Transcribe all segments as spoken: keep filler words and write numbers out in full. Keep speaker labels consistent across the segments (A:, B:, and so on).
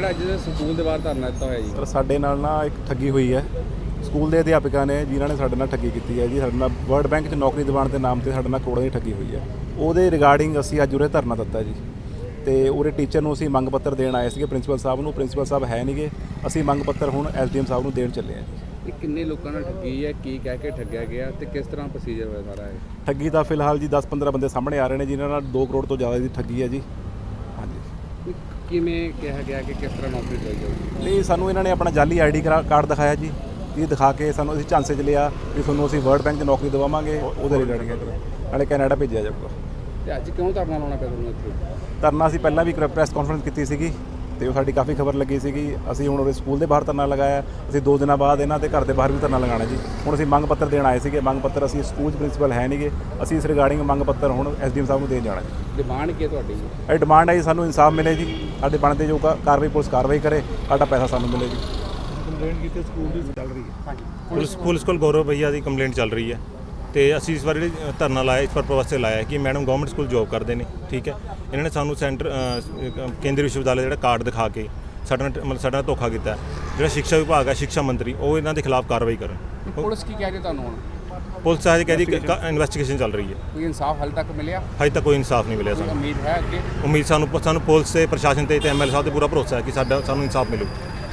A: ਜਿਹੜਾ ਅੱਜ ਸਕੂਲ ਦੇ ਬਾਹਰ ਧਰਨਾ ਦਿੱਤਾ ਹੋਇਆ ਜੀ।
B: ਸਰ ਸਾਡੇ ਨਾਲ ਨਾ ਇੱਕ ਠੱਗੀ ਹੋਈ ਹੈ। ਸਕੂਲ ਦੇ ਅਧਿਆਪਕਾਂ ਨੇ ਜਿਨ੍ਹਾਂ ਨੇ ਸਾਡੇ ਨਾਲ ਠੱਗੀ ਕੀਤੀ ਹੈ ਜੀ, ਸਾਡੇ ਨਾਲ ਵਰਲਡ ਬੈਂਕ 'ਚ ਨੌਕਰੀ ਦਿਵਾਉਣ ਦੇ ਨਾਮ 'ਤੇ ਸਾਡੇ ਨਾਲ ਕਰੋੜਾਂ ਦੀ ਠੱਗੀ ਹੋਈ ਹੈ। ਉਹਦੇ ਰਿਗਾਰਡਿੰਗ ਅਸੀਂ ਅੱਜ ਉਰੇ ਧਰਨਾ ਦਿੱਤਾ ਜੀ, ਤੇ ਉਰੇ ਟੀਚਰ ਨੂੰ ਅਸੀਂ ਮੰਗ ਪੱਤਰ ਦੇਣ ਆਏ ਸੀਗੇ ਪ੍ਰਿੰਸੀਪਲ ਸਾਹਿਬ ਨੂੰ। ਪ੍ਰਿੰਸੀਪਲ ਸਾਹਿਬ ਹੈ ਨਹੀਂਗੇ, ਅਸੀਂ ਮੰਗ ਪੱਤਰ ਹੁਣ ਐਸ ਡੀ ਐਮ ਸਾਹਿਬ ਨੂੰ ਦੇਣ ਚੱਲੇ ਹਾਂ ਜੀ।
A: ਇਹ ਕਿੰਨੇ ਲੋਕਾਂ ਨਾਲ ਠੱਗੀ ਹੈ, ਕੀ ਕਹਿ ਕੇ ਠੱਗਿਆ ਗਿਆ ਤੇ ਕਿਸ ਤਰ੍ਹਾਂ ਪ੍ਰੋਸੀਜਰ ਹੋਇਆ ਸਾਰਾ ਇਹ?
B: ਠੱਗੀ ਦਾ ਫਿਲਹਾਲ ਜੀ ਦਸ ਪੰਦਰਾਂ ਬੰਦੇ ਸਾਹਮਣੇ ਆ ਰਹੇ ਨੇ ਜਿਨ੍ਹਾਂ ਨਾਲ ਦੋ ਕਰੋੜ ਤੋਂ ਜ਼ਿਆਦਾ ਦੀ ਠੱਗੀ ਹੈ ਜੀ। ਹਾਂਜੀ,
A: ਕਿਵੇਂ ਕਿਹਾ ਗਿਆ ਕਿ ਕਿਸ ਤਰ੍ਹਾਂ ਨੌਕਰੀ ਲਈ ਜਾਊਗੀ?
B: ਨਹੀਂ ਸਾਨੂੰ ਇਹਨਾਂ ਨੇ ਆਪਣਾ ਜਾਲੀ ਆਈ ਡੀ ਕਾਰਡ ਦਿਖਾਇਆ ਜੀ, ਇਹ ਦਿਖਾ ਕੇ ਸਾਨੂੰ ਅਸੀਂ ਝਾਂਸੇ 'ਚ ਲਿਆ ਵੀ ਤੁਹਾਨੂੰ ਅਸੀਂ ਵਰਲਡ ਬੈਂਕ 'ਚ ਨੌਕਰੀ ਦਿਵਾਵਾਂਗੇ, ਉਹਦੇ ਰਿਗਾਰਡਿੰਗ ਹੈ ਜੀ। ਨਾਲੇ ਕੈਨੇਡਾ ਭੇਜਿਆ ਜਾਊਗਾ।
A: ਤੇ ਅੱਜ ਕਿਉਂ ਧਰਨਾ ਲਾਉਣਾ ਪਿਆ ਤੁਹਾਨੂੰ ਇੱਥੇ?
B: ਧਰਨਾ ਅਸੀਂ ਪਹਿਲਾਂ ਵੀ ਪ੍ਰੈਸ ਕਾਨਫਰੰਸ ਕੀਤੀ ਸੀਗੀ ਤੇ ਉਹ ਸਾਡੀ ਕਾਫੀ ਖਬਰ ਲੱਗੀ ਸੀਗੀ। ਅਸੀਂ ਹੁਣ ਉਹਦੇ ਸਕੂਲ ਦੇ ਬਾਹਰ ਧਰਨਾ ਲਗਾਇਆ, ਅਸੀਂ ਦੋ ਦਿਨਾਂ ਬਾਅਦ ਇਹਨਾਂ ਦੇ ਘਰ ਦੇ ਬਾਹਰ ਵੀ ਧਰਨਾ ਲਗਾਉਣਾ ਜੀ। ਹੁਣ ਅਸੀਂ ਮੰਗ ਪੱਤਰ ਦੇਣ ਆਏ ਸੀਗੇ, ਮੰਗ ਪੱਤਰ ਅਸੀਂ ਸਕੂਲ 'ਚ ਪ੍ਰਿੰਸੀਪਲ ਹੈ ਨਹੀਂਗੇ, ਅਸੀਂ ਇਸ ਰਿਗਾਰਡਿੰਗ ਮੰਗ ਪੱਤਰ ਹੁਣ ਐਸ ਡੀ ਐਮ ਸਾਹਿਬ ਨੂੰ ਦੇਣ ਜਾਣਾ ਜੀ।
A: ਡਿਮਾਂਡ ਕੀ ਹੈ ਤੁਹਾਡੀ?
B: ਇਹ ਡਿਮਾਂਡ ਹੈ ਜੀ ਸਾਨੂੰ ਇਨਸਾਫ ਮਿਲੇ ਜੀ, ਸਾਡੇ ਬਣਦੇ ਜੋ ਕਾਰਵਾਈ ਪੁਲਿਸ ਕਾਰਵਾਈ ਕਰੇ, ਸਾਡਾ ਪੈਸਾ ਸਾਨੂੰ ਮਿਲੇ ਜੀ।
C: ਕੰਪਲੇਂਟ ਕੀਤੀ ਸਕੂਲ ਦੀ ਚੱਲ ਰਹੀ ਹੈ।
A: ਹਾਂਜੀ,
C: ਪੁਲਿਸ ਪੁਲਿਸ ਕੋਲ ਗੌਰਵ ਭਈਆ ਦੀ ਕੰਪਲੇਂਟ ਚੱਲ ਰਹੀ ਹੈ ਤੇ ਅਸੀਂ ਇਸ ਵਾਰ ਜਿਹੜੀ ਧਰਨਾ ਲਾਇਆ ਇਸ ਪਰਪਸ ਵਾਸਤੇ ਲਾਇਆ ਕਿ ਮੈਡਮ ਗਵਰਨਮੈਂਟ ਸਕੂਲ ਜੋਬ ਕਰਦੇ ਨੇ, ਠੀਕ ਹੈ। ਇਹਨਾਂ ਨੇ ਸਾਨੂੰ ਸੈਂਟਰ ਕੇਂਦਰੀ ਵਿਸ਼ਵ ਵਿਦਿਆਲਿਆ ਜਿਹੜਾ ਕਾਰਡ ਦਿਖਾ ਕੇ ਸਾਡੇ ਨਾਲ ਮਤਲਬ ਸਾਡੇ ਨਾਲ ਧੋਖਾ ਕੀਤਾ। ਜਿਹੜਾ ਸਿੱਖਿਆ ਵਿਭਾਗ ਹੈ, ਸਿੱਖਿਆ ਮੰਤਰੀ, ਉਹ ਇਹਨਾਂ ਦੇ ਖਿਲਾਫ ਕਾਰਵਾਈ ਕਰਨ।
A: ਪੁਲਿਸ ਕੀ ਕਹਿ ਰਹੀ ਤੁਹਾਨੂੰ ਹੁਣ?
C: ਪੁਲਿਸ ਅੱਜ ਕਹਿੰਦੀ ਇਨਵੈਸਟੀਗੇਸ਼ਨ ਚੱਲ ਰਹੀ ਹੈ।
A: ਕੋਈ ਇਨਸਾਫ ਹਾਲੇ ਤੱਕ ਮਿਲਿਆ?
C: ਹਜੇ ਤੱਕ ਕੋਈ ਇਨਸਾਫ ਨਹੀਂ ਮਿਲਿਆ
A: ਕੋਈ
C: ਸਾਨੂੰ।
A: ਉਮੀਦ ਹੈ ਅੱਗੇ?
C: ਉਮੀਦ ਸਾਨੂੰ ਸਾਨੂੰ ਪੁਲਿਸ ਤੇ ਪ੍ਰਸ਼ਾਸਨ ਤੇ ਐਮ ਐਲ ਏ ਸਾਹਿਬ ਤੇ ਪੂਰਾ ਭਰੋਸਾ ਹੈ ਕਿ ਸਾਡਾ ਸਾਨੂੰ ਇਨਸਾਫ ਮਿਲੂ।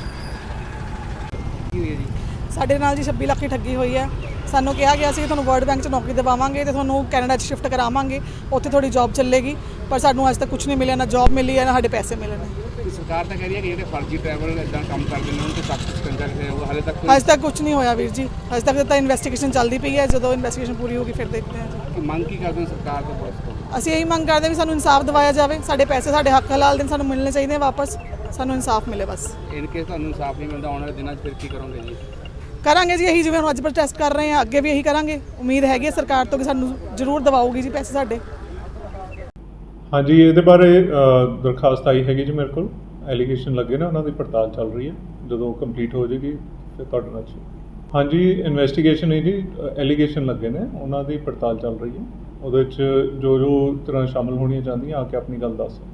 A: ਕੀ ਹੋਈ ਹੈ ਜੀ?
D: ਸਾਡੇ ਨਾਲ ਜੀ ਛੱਬੀ ਲੱਖ ਦੀ ਠੱਗੀ ਹੋਈ ਹੈ। ਸਾਨੂੰ ਕਿਹਾ ਗਿਆ ਸੀ ਤੁਹਾਨੂੰ ਵਰਲਡ ਬੈਂਕ 'ਚ ਨੌਕਰੀ ਦਿਵਾਵਾਂਗੇ ਤੇ ਤੁਹਾਨੂੰ ਕੈਨੇਡਾ 'ਚ ਸ਼ਿਫਟ ਕਰਾਵਾਂਗੇ, ਉੱਥੇ ਤੁਹਾਡੀ ਜੌਬ ਚੱਲੇਗੀ। ਪਰ ਸਾਨੂੰ ਅੱਜ ਤੱਕ ਕੁਝ ਨਹੀਂ ਮਿਲਿਆ, ਨਾ ਜੌਬ ਮਿਲੀ ਹੈ ਨਾ ਸਾਡੇ ਪੈਸੇ ਮਿਲੇ ਨੇ।
A: ਸਰਕਾਰ ਤਾਂ ਕਹਿ ਰਹੀ ਹੈ ਕਿ ਜਿਹੜੇ ਫਰਜ਼ੀ ਟਰੈਵਲ ਇਦਾਂ ਕੰਮ ਕਰਦੇ ਨੇ ਉਹਨਾਂ ਤੇ ਸਖਤ ਸ਼ਿਕੰਜਾ ਕਿਸੇ ਉਹ ਹਾਲੇ ਤੱਕ
D: ਅੱਜ ਤੱਕ ਕੁਝ ਨਹੀਂ ਹੋਇਆ ਵੀਰ ਜੀ, ਅੱਜ ਤੱਕ ਤਾਂ ਇਨਵੈਸਟੀਗੇਸ਼ਨ ਚੱਲਦੀ ਪਈ ਹੈ। ਜਦੋਂ ਇਨਵੈਸਟੀਗੇਸ਼ਨ ਪੂਰੀ ਹੋਗੀ ਫਿਰ ਦੇਖਦੇ ਹਾਂ ਜੀ।
A: ਕੀ ਮੰਗ ਕੀ ਕਰਦੇ ਹੋ ਸਰਕਾਰ ਤੋਂ, ਪੁਲਿਸ ਤੋਂ?
D: ਅਸੀਂ ਇਹੀ ਮੰਗ ਕਰਦੇ ਹਾਂ ਵੀ ਸਾਨੂੰ ਇਨਸਾਫ ਦਿਵਾਇਆ ਜਾਵੇ, ਸਾਡੇ ਪੈਸੇ ਸਾਡੇ ਹੱਕ ਹਲਾਲ ਦੇ ਸਾਨੂੰ ਮਿਲਣੇ ਚਾਹੀਦੇ ਵਾਪਸ, ਸਾਨੂੰ ਇਨਸਾਫ ਮਿਲੇ ਬਸ।
A: ਇਨ ਕੇਸ ਤੁਹਾਨੂੰ ਇਨਸਾਫ ਨਹੀਂ ਮਿਲਦਾ ਆਉਣ ਵਾਲੇ ਦਿਨਾਂ 'ਚ ਫਿਰ ਕੀ ਕਰੋਗੇ ਜੀ?
D: ਕਰਾਂਗੇ ਜੀ ਇਹੀ, ਜਿਵੇਂ ਹੁਣ ਅੱਜ ਪ੍ਰੋਟੈਸਟ ਕਰ ਰਹੇ ਹਾਂ, ਅੱਗੇ ਵੀ ਇਹੀ ਕਰਾਂਗੇ। ਉਮੀਦ ਹੈਗੀ ਹੈ ਸਰਕਾਰ ਤੋਂ ਕਿ ਸਾਨੂੰ ਜ਼ਰੂਰ ਦਿਵਾਓਗੀ ਜੀ ਪੈਸੇ ਸਾਡੇ।
E: ਹਾਂਜੀ, ਇਹਦੇ ਬਾਰੇ ਦਰਖਾਸਤ ਆਈ ਹੈਗੀ ਜੀ ਮੇਰੇ ਕੋਲ, ਐਲੀਗੇਸ਼ਨ ਲੱਗੇ ਨੇ, ਉਹਨਾਂ ਦੀ ਪੜਤਾਲ ਚੱਲ ਰਹੀ ਹੈ। ਜਦੋਂ ਕੰਪਲੀਟ ਹੋ ਜਾਏਗੀ ਫਿਰ ਤੁਹਾਡੇ ਨਾਲ। ਹਾਂਜੀ, ਇਨਵੈਸਟੀਗੇਸ਼ਨ ਹੈ ਜੀ, ਐਲੀਗੇਸ਼ਨ ਲੱਗੇ ਨੇ, ਉਹਨਾਂ ਦੀ ਪੜਤਾਲ ਚੱਲ ਰਹੀ ਹੈ। ਉਹਦੇ ਵਿੱਚ ਜੋ ਜੋ ਤਰ੍ਹਾਂ ਸ਼ਾਮਲ ਹੋਣੀਆਂ ਚਾਹੁੰਦੀਆਂ ਆ ਕੇ ਆਪਣੀ ਗੱਲ ਦੱਸ